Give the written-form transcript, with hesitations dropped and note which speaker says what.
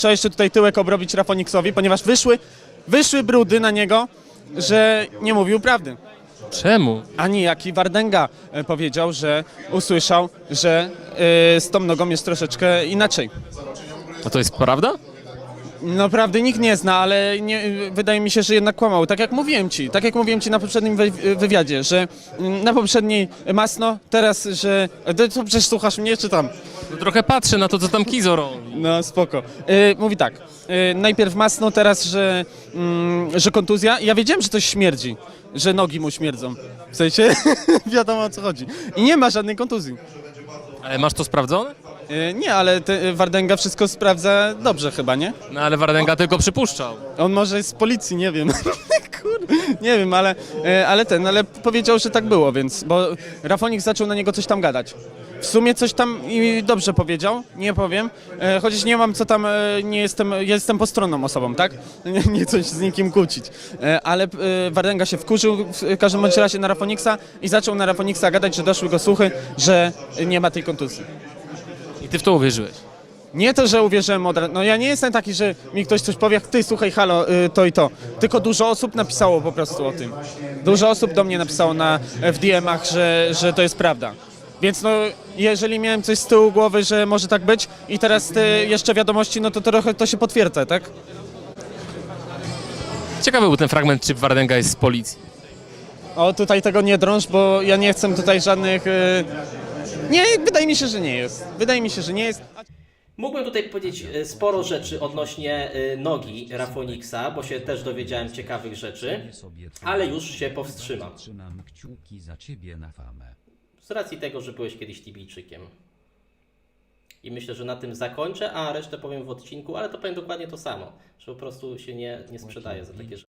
Speaker 1: Trzeba jeszcze tutaj tyłek obrobić Rafoniksowi, ponieważ wyszły brudy na niego, że nie mówił prawdy.
Speaker 2: Czemu?
Speaker 1: A niejaki Wardęga powiedział, że usłyszał, że z tą nogą jest troszeczkę inaczej.
Speaker 2: A to jest prawda?
Speaker 1: No prawdy nikt nie zna, ale wydaje mi się, że jednak kłamał. Tak jak mówiłem ci na poprzednim wywiadzie, że na poprzedniej masno, teraz, że... To przecież słuchasz mnie, czy tam?
Speaker 2: No trochę patrzę na to, co tam Kizo robi.
Speaker 1: No spoko. Mówi tak, najpierw masno, teraz, że kontuzja. Ja wiedziałem, że coś śmierdzi, że nogi mu śmierdzą. W sensie, wiadomo o co chodzi. I nie ma żadnej kontuzji.
Speaker 2: Ale masz to sprawdzone?
Speaker 1: Nie, ale Wardęga wszystko sprawdza dobrze chyba, nie?
Speaker 2: No ale Wardęga tylko przypuszczał.
Speaker 1: On może jest z policji, nie wiem. Kurde, nie wiem, ale powiedział, że tak było, więc, bo Rafonik zaczął na niego coś tam gadać. W sumie coś tam i dobrze powiedział, nie powiem, chociaż nie mam co tam, jestem postronną osobą, tak? Nie coś z nikim kłócić, ale Wardęga się wkurzył w każdym bądź razie na Rafoniksa i zaczął na Rafoniksa gadać, że doszły go słuchy, że nie ma tej kontuzji.
Speaker 2: I ty w to uwierzyłeś.
Speaker 1: Nie to, że uwierzyłem od razu. No ja nie jestem taki, że mi ktoś coś powie, ty słuchaj, halo, to i to. Tylko dużo osób napisało po prostu o tym. Dużo osób do mnie napisało w DM-ach, że to jest prawda. Więc no, jeżeli miałem coś z tyłu głowy, że może tak być i teraz te jeszcze wiadomości, no to trochę to się potwierdza, tak?
Speaker 2: Ciekawy był ten fragment, czy Wardęga jest z policji.
Speaker 1: O, tutaj tego nie drąż, bo ja nie chcę tutaj żadnych... Nie, wydaje mi się, że nie jest. Wydaje mi się, że nie jest.
Speaker 3: Mógłbym tutaj powiedzieć sporo rzeczy odnośnie nogi Rafoniksa, bo się też dowiedziałem ciekawych rzeczy, ale już się powstrzymam.
Speaker 4: Trzymam kciuki za ciebie na famę.
Speaker 3: Z racji tego, że byłeś kiedyś Tibijczykiem. I myślę, że na tym zakończę, a resztę powiem w odcinku, ale to powiem dokładnie to samo, że po prostu się nie sprzedaje za takie rzeczy.